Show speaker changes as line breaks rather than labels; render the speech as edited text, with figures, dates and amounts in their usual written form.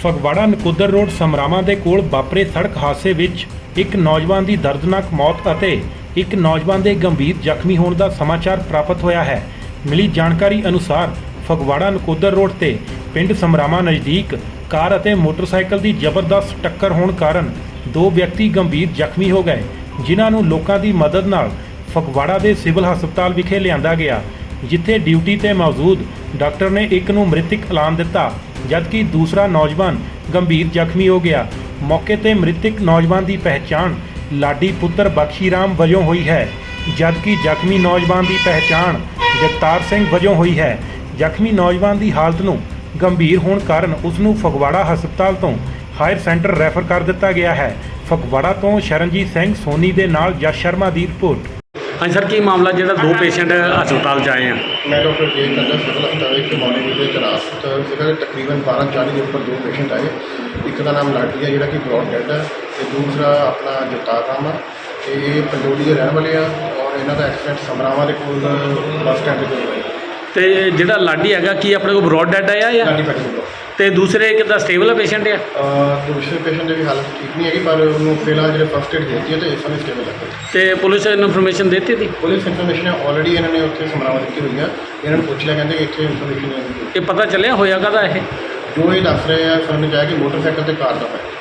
Phagwara Nakodar road ਸਮਰਾਵਾਂ ਦੇ ਕੋਲ ਵਾਪਰੇ ਸੜਕ ਹਾਦਸੇ ਵਿੱਚ ਇੱਕ ਨੌਜਵਾਨ ਦੀ ਦਰਦਨਾਕ ਮੌਤ ਅਤੇ ਇੱਕ ਨੌਜਵਾਨ ਦੇ ਗੰਭੀਰ ਜ਼ਖਮੀ ਹੋਣ ਦਾ ਸਮਾਚਾਰ ਪ੍ਰਾਪਤ ਹੋਇਆ ਹੈ। ਮਿਲੀ ਜਾਣਕਾਰੀ ਅਨੁਸਾਰ ਫਗਵਾੜਾ ਨਕੋਦਰ ਰੋਡ ਤੇ ਪਿੰਡ ਸਮਰਾਵਾਂ ਨਜ਼ਦੀਕ ਕਾਰ ਅਤੇ ਮੋਟਰਸਾਈਕਲ ਦੀ ਜ਼ਬਰਦਸਤ ਟੱਕਰ ਹੋਣ ਕਾਰਨ ਦੋ ਵਿਅਕਤੀ ਗੰਭੀਰ ਜ਼ਖਮੀ ਹੋ ਗਏ, ਜਿਨ੍ਹਾਂ ਨੂੰ ਲੋਕਾਂ ਦੀ ਮਦਦ ਨਾਲ ਫਗਵਾੜਾ ਦੇ ਸਿਵਲ ਹਸਪਤਾਲ ਵਿਖੇ ਲਿਆਂਦਾ ਗਿਆ, ਜਿੱਥੇ ਡਿਊਟੀ ਤੇ ਮੌਜੂਦ ਡਾਕਟਰ ਨੇ ਇੱਕ ਨੂੰ ਮ੍ਰਿਤਕ ਐਲਾਨ ਦਿੱਤਾ, ਜਦਕਿ ਦੂਸਰਾ ਨੌਜਵਾਨ ਗੰਭੀਰ ਜ਼ਖਮੀ ਹੋ ਗਿਆ। ਮੌਕੇ ਤੇ ਮ੍ਰਿਤਕ ਨੌਜਵਾਨ ਦੀ ਪਹਿਚਾਣ ਲਾਡੀ ਪੁੱਤਰ ਬਖਸ਼ੀ ਰਾਮ ਵਜੋਂ ਹੋਈ ਹੈ, ਜਦਕਿ ਜ਼ਖਮੀ ਨੌਜਵਾਨ ਦੀ ਪਹਿਚਾਣ ਜਗਤਾਰ ਸਿੰਘ ਵਜੋਂ ਹੋਈ ਹੈ। ਜ਼ਖਮੀ ਨੌਜਵਾਨ ਦੀ ਹਾਲਤ ਨੂੰ ਗੰਭੀਰ ਹੋਣ ਕਾਰਨ ਉਸ ਨੂੰ ਫਗਵਾੜਾ ਹਸਪਤਾਲ ਤੋਂ ਹਾਇਰ ਸੈਂਟਰ ਰੈਫਰ ਕਰ ਦਿੱਤਾ ਗਿਆ ਹੈ। ਫਗਵਾੜਾ ਤੋਂ ਸ਼ਰਨਜੀਤ ਸਿੰਘ ਸੋਨੀ ਦੇ ਨਾਲ ਜਸ ਸ਼ਰਮਾ ਦੀ ਰਿਪੋर्ट।
हाँ सर, की मामला जो दो पेशेंट हस्पताल च आए हैं?
मैं डॉक्टर जे कंडा सिविल हस्पताल एक मॉर्निंग में रात सीगा तकरीबन 12:40 के ऊपर दो पेशेंट आए। एक का नाम लाडी है जिहड़ा कि ब्रॉड डेड है, तो दूसरा अपना जगतार राम है, तो ये पंडोली के रहने वाले हैं और इन्हों का एक्सीडेंट समरावां के कोल बस स्टैंड पर होया।
तो जिहड़ा लाडी हैगा की अपने को ब्रॉड डेड आया या
लाडी फैटी
तो दूसरे कितना स्टेबल है पेशेंट है?
दूसरे पेशेंट की हालत ठीक नहीं है, पर उन्होंने फिलहाल जो फर्स्ट एड देती है तो इस समय स्टेबल है।
तो पुलिस ने इन्फॉर्मेशन देती थी?
पुलिस इन्फॉर्मेशन ऑलरेडी इन्होंने उत्थे समरावां दी हुई है, इन्होंने पूछ लिया, कहते इतने इन्फॉर्मेशन
ये पता चलिया होया कदा है?
जो ये दस रहे हैं सुनने जाए कि मोटरसाइकिल ते कार का है।